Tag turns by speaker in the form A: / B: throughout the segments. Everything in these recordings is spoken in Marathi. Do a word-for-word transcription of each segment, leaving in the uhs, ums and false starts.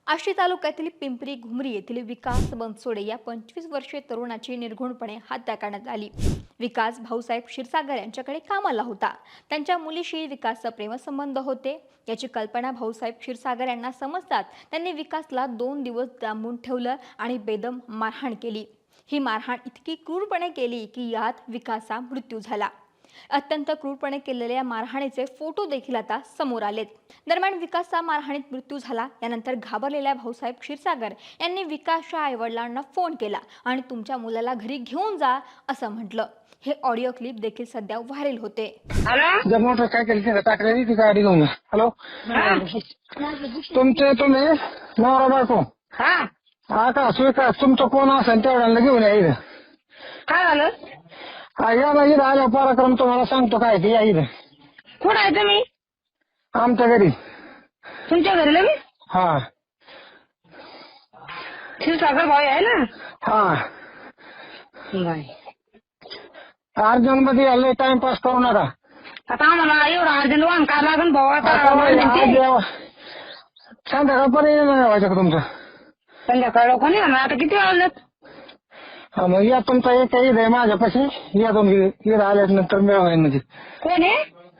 A: आष्टी तालुक्यातील पिंपरी घुमरी येथील विकास बनसोडे या पंचवीस वर्षीय तरुणाची निर्घृणपणे हत्या करण्यात आली। विकास भाऊसाहेब क्षीरसागर यांच्याकडे कामाला होता। त्यांच्या मुलीशी विकासचा प्रेमसंबंध होते याची कल्पना भाऊसाहेब क्षीरसागर यांना समजतात त्यांनी विकासला दोन दिवस डांबून ठेवलं आणि बेदम मारहाण केली। ही मारहाण इतकी क्रूरपणे केली की यात विकासचा मृत्यू झाला। अत्यंत क्रूरपणे केलेल्या मारहाणीचे फोटो देखील आता समोर आलेत। दरम्यान विकासचा मारहाणीत मृत्यू झाला यानंतर घाबरलेल्या भाऊसाहेब क्षीरसागर यांनी विकासच्या आईवडिलांना फोन केला आणि तुमच्या मुलाला घरी घेऊन जा असं म्हटलं। हे ऑडिओ क्लिप देखील सध्या व्हायरल होते।
B: हॅलो जर मोटर काय केली टाकलेली ती गाडी घेऊन हॅलो तुमचे तुम्ही नवरा बायको
C: हा
B: हा का स्वीकार तुमचं कोण असेल तेवढ्याला घेऊन या इथं।
C: काय झालं?
B: हा या ना इथं आल्या पराक्रम तुम्हाला सांगतो काय ते या इथं।
C: कुठं आहे तुम्ही?
B: आमच्या घरी।
C: तुमच्या घरी लगेच?
B: हा
C: क्षीरसागर भाऊ आहे ना?
B: हा
C: बाय
B: अर्जंट मध्ये आले टाइमपास करू नका।
C: आता आम्हाला एवढा अर्जंट वाहन काय लागेल भाऊ? आता
B: आता
C: वाहनांचे
B: संध्याकाळपर्यंत नाही व्हायचं का तुमचं?
C: संध्याकाळ कोणी आता किती वाजलेत?
B: हा मग या तुमचा एक ईद आहे माझ्यापाशी या तुम्ही ईद आल्यानंतर मिळवाय म्हणजे।
C: कोण आहे?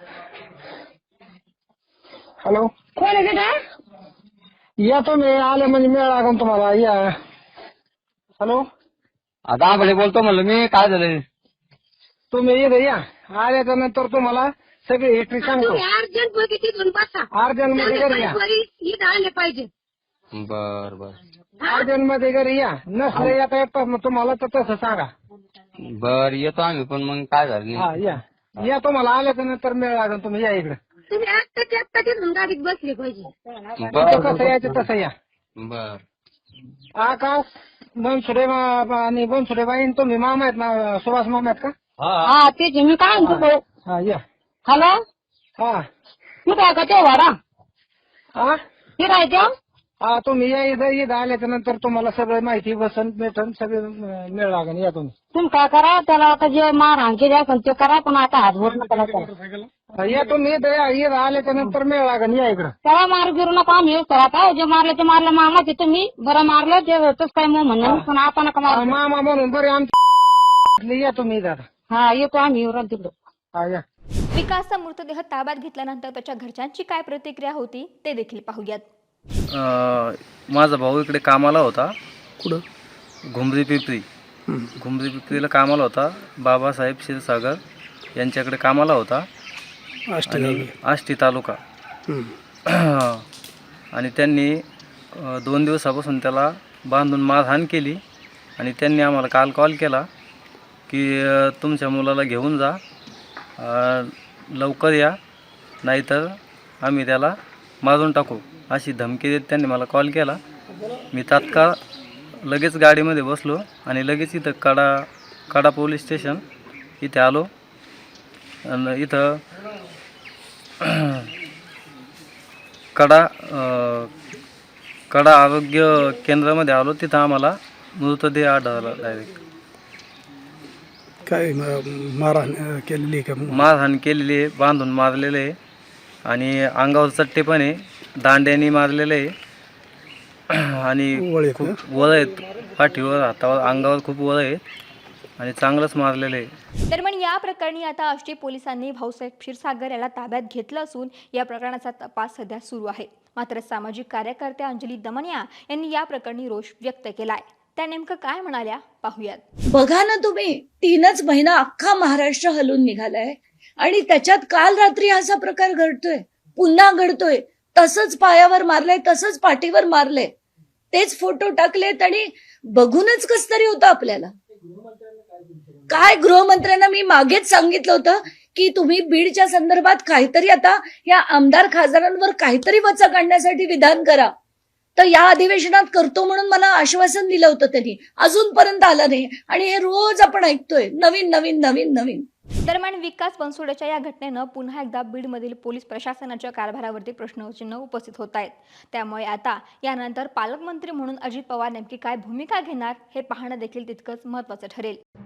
B: हॅलो
C: कोण आहे तिथं?
B: या तुम्ही आले म्हणजे मिळ लागून तुम्हाला या। हॅलो
D: आता आपण बोलतो म्हणलं मी काय झालं
B: तुम्ही इथं या आल्याच्या नंतर तुम्हाला सगळी हिस्ट्री सांगतो।
C: अर्जंट मध्ये तिथून बसा
B: अर्जंट मध्ये घरी या।
C: इथं आले पाहिजे।
D: बर बर
B: अर्जंट मध्ये घरी या नसले येता येतात मग तुम्हाला तर तसं सांगा।
D: बर येतो आम्ही पण मग काय झालं
B: हा या या तुम्हाला आल्याच्या नंतर मिळ लागून तुम्ही या इकडे।
C: तुम्ही आत्ताच्या आत्ता तिथून गाडीत बसले पाहिजे।
D: बर
B: कसं यायचं तसं या।
D: बर
B: आकाश बनसुडे आणि बनसुडे बाई तुम्ही मामा आहेत ना सुभाष मामा आहेत का?
C: हा तेच मी काय म्हणतो।
B: हा या।
C: हॅलो
B: हा
C: कुठं आहे का ते वाडा?
B: हा
C: कुठं आहे ते?
B: हा तुम्ही या इथं इथं आल्याच्या नंतर तुम्हाला सगळं माहिती बसन भेटन सगळं मिळ लागेल या तुम्ही।
C: तुम्ही काय करा त्याला आता जे मारहाण केली असेल ते करा पण आता हात बोट नका करा।
B: या तुम्ही इथं या इथं आल्याच्या नंतर मिळ लागेल या इकडं।
C: त्याला मार गिरू नका आम्ही आता जे मारलं ते मारलं मामाचे तुम्ही बरं मारलं ते तसं काय मग म्हणून पण आपण नका
B: हा,
C: मार।
B: मामा म्हणून बरे आमच्या या तुम्ही इथं आता।
C: हा येतो आम्ही येऊन तिकडं।
B: हा या।
A: विकासचा मृतदेह ताब्यात घेतल्यानंतर त्याच्या घरच्यांची काय प्रतिक्रिया होती ते देखील पाहूयात।
E: माझा भाऊ इकडे कामाला होता कुठं घुमरी पिपरी घुमरी पिपरीला कामाला होता। बाबासाहेब क्षीरसागर यांच्याकडे कामाला होता आणि आष्टी तालुका आणि त्यांनी अ, दोन दिवसापासून त्याला बांधून मारहाण केली आणि त्यांनी आम्हाला काल कॉल केला की अ, तुमच्या मुलाला घेऊन जा अ, लवकर या नाहीतर आम्ही त्याला मारून टाकू अशी धमकी देत त्यांनी मला कॉल केला। मी तात्काळ लगेच गाडीमध्ये बसलो आणि लगेच इथं कडा कडा पोलीस स्टेशन इथे आलो आणि इथं कडा अ, कडा आरोग्य केंद्रामध्ये आलो। तिथं आम्हाला मृतदेह आढळला डायरेक्ट।
F: काय मारहाण केलेली का?
E: मारहाण केलेली आहे, बांधून मारलेले आहे आणि अंगावर चट्टे पण आहे, दांड्याने मारलेले आहे आणि खूप वळ आहेत पाठीवर हातावर अंगावर खूप वळ आहेत आणि चांगलंच मारलेलं आहे।
A: दरम्यान या प्रकरणी आता आष्टी पोलिसांनी भाऊसाहेब क्षीरसागर याला ताब्यात घेतलं असून या प्रकरणाचा तपास सध्या सुरू आहे। मात्र सामाजिक कार्यकर्त्या अंजली दमनिया यांनी या प्रकरणी रोष व्यक्त केलाय। त्या नेमकं काय म्हणाल्या पाहूयात।
G: बघा ना तुम्ही तीनच महिना अख्खा महाराष्ट्र हलून निघालाय आणि त्याच्यात काल रात्री असा प्रकार घडतोय, पुन्हा घडतोय। तसंच पायावर मारलंय, तसंच पाठीवर मारलंय, तेच फोटो टाकलेत आणि बघूनच कस तरी होतं आपल्याला। काय गृहमंत्र्यांना मी मागेच सांगितलं होतं की तुम्ही बीडच्या संदर्भात काहीतरी आता या आमदार खासदारांवर काहीतरी वचा काढण्यासाठी विधान करा। तर या अधिवेशनात करतो म्हणून मला आश्वासन दिलं होतं त्यांनी, अजूनपर्यंत आलं नाही आणि हे रोज आपण ऐकतोय नवीन नवीन नवीन नवीन।
A: दरम्यान विकास बनसोडेच्या या घटनेनं पुन्हा एकदा बीडमधील पोलीस प्रशासनाच्या कारभारावरती प्रश्नचिन्ह उपस्थित होत आहेत। त्यामुळे आता यानंतर पालकमंत्री म्हणून अजित पवार नेमकी काय भूमिका घेणार हे पाहणं देखील तितकंच महत्त्वाचं ठरेल।